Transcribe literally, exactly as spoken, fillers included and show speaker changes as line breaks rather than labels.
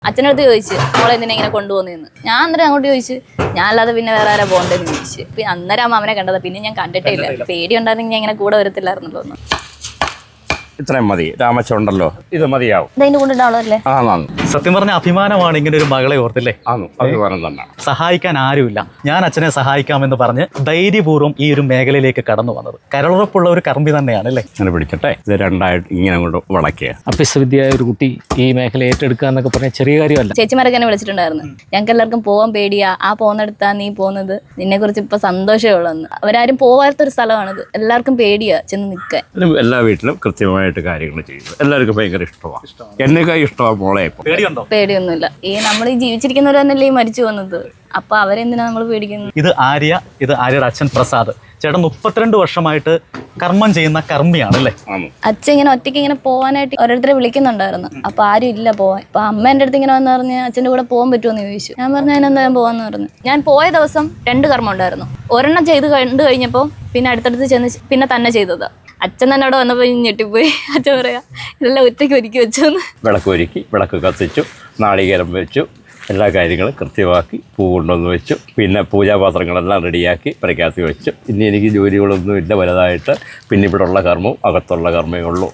അച്ഛനടുത്ത് ചോദിച്ചു മോളെ എന്തിനാ ഇങ്ങനെ കൊണ്ടുപോകുന്നതെന്ന്. ഞാൻ അന്നേരം അങ്ങോട്ട് ചോദിച്ചു ഞാൻ അല്ലാതെ പിന്നെ വേറെ ആരാ പോകേണ്ടതെന്ന് ചോദിച്ചു. പിന്നെ അന്നേരം ആ മാമനെ കണ്ടത്, പിന്നെ ഞാൻ കണ്ടിട്ടേ ഇല്ല. പേടി ഉണ്ടായിരുന്നെങ്കിൽ ഞാൻ ഇങ്ങനെ കൂടെ വരത്തില്ലായിരുന്നല്ലോ ഒന്ന്.
ഇത്രയും മതി, രാമച്ചുണ്ടല്ലോ, ഇത് മതിയാവും.
ഇതിന്റെ കൊണ്ടിട്ടാണല്ലേ.
ആ
സത്യം പറഞ്ഞ അഭിമാനമാണ് ഇങ്ങനെ ഒരു മകളെ ഓർത്തില്ലേ.
അഭിമാനം തന്നെ.
സഹായിക്കാൻ ആരുമില്ല, ഞാൻ അച്ഛനെ സഹായിക്കാമെന്ന് പറഞ്ഞ് ധൈര്യപൂർവ്വം ഈ ഒരു മേഖലയിലേക്ക് കടന്നു വന്നത് കരളുറപ്പുള്ള ഒരു കർമ്മി തന്നെയാണ് അല്ലേ.
ഇങ്ങനെ പിടിക്കട്ടെ, ഇത് രണ്ടായിട്ട് ഇങ്ങനെ കൊണ്ട് വളയ്ക്കുക.
അഭ്യസ്തവിദ്യയായ ഒരു കുട്ടി ഈ മേഖല ഏറ്റെടുക്കുക എന്നൊക്കെ പറഞ്ഞാൽ ചെറിയ കാര്യമല്ല.
ചേച്ചിമാരൊക്കെ എന്നെ വിളിച്ചിട്ടുണ്ടായിരുന്നു. ഞങ്ങൾക്ക് എല്ലാവർക്കും പോകാൻ പേടിയാ, ആ പോകുന്നിടത്താ നീ പോകുന്നത്, നിന്നെ കുറിച്ച് ഇപ്പൊ സന്തോഷമേ ഉള്ളെന്ന്. അവരാരും പോവാത്തൊരു സ്ഥലമാണിത്, എല്ലാവർക്കും പേടിയാ ചെന്ന് നിൽക്കാൻ.
എല്ലാ വീട്ടിലും കൃത്യമായിട്ട് കാര്യങ്ങൾ ചെയ്യുന്നത് എല്ലാവർക്കും ഭയങ്കര ഇഷ്ടമാണ്. എന്നേക്കാൾ ഇഷ്ടമാണ് മോളെ.
പേടിയുണ്ടോ?
പേടിയൊന്നുമില്ല. ഈ നമ്മൾ ഈ ജീവിച്ചിരിക്കുന്നവർ തന്നെയല്ലേ ഈ മരിച്ചു വന്നത്, അപ്പൊ അവരെന്തിനാ നമ്മൾ പേടിക്കുന്നത്.
ഇത് ആര്യ, ഇത് ആര്യയുടെ അച്ഛൻ പ്രസാദ്. ചേട്ടൻ മുപ്പത്തിരണ്ട് വർഷമായിട്ട് കർമ്മം ചെയ്യുന്ന കർമ്മിയാണ് അല്ലേ.
അച്ഛൻ ഇങ്ങനെ ഒറ്റയ്ക്ക് ഇങ്ങനെ പോകാനായിട്ട് ഓരോരുത്തരെ വിളിക്കുന്നുണ്ടായിരുന്നു. അപ്പൊ ആരും ഇല്ല പോവാൻ. അപ്പൊ അമ്മ എൻ്റെ അടുത്ത് ഇങ്ങനെ വന്ന് പറഞ്ഞ് അച്ഛൻ്റെ കൂടെ പോകാൻ പറ്റുമെന്ന് ചോദിച്ചു. ഞാൻ പറഞ്ഞു അതിനെന്താ ഞാൻ പോവാന്ന് പറഞ്ഞു. ഞാൻ പോയ ദിവസം രണ്ട് കർമ്മം ഉണ്ടായിരുന്നു. ഒരെണ്ണം ചെയ്ത് കണ്ടു കഴിഞ്ഞപ്പോൾ പിന്നെ അടുത്തടുത്ത് ചെന്ന് പിന്നെ തന്നെ ചെയ്തതാ. അച്ഛൻ തന്നെ അവിടെ വന്നപ്പോൾ ഞെട്ടിപ്പോയി. അച്ഛൻ പറയാ ഇതെല്ലാം ഒറ്റയ്ക്ക് ഒരുക്കി വെച്ചു.
വിളക്ക് ഒരുക്കി, വിളക്ക് കത്തിച്ചു, നാളികേരം വെച്ചു, എല്ലാ കാര്യങ്ങളും കൃത്യമാക്കി പൂ കൊണ്ടുവന്ന് വെച്ചു. പിന്നെ പൂജാപാത്രങ്ങളെല്ലാം റെഡിയാക്കി പ്രഖ്യാപി വെച്ചു. ഇനി എനിക്ക് ജോലികളൊന്നും ഇല്ല വലുതായിട്ട്. പിന്നെ ഇവിടെ ഉള്ള കർമ്മവും അകത്തുള്ള കർമ്മമേ ഉള്ളൂ.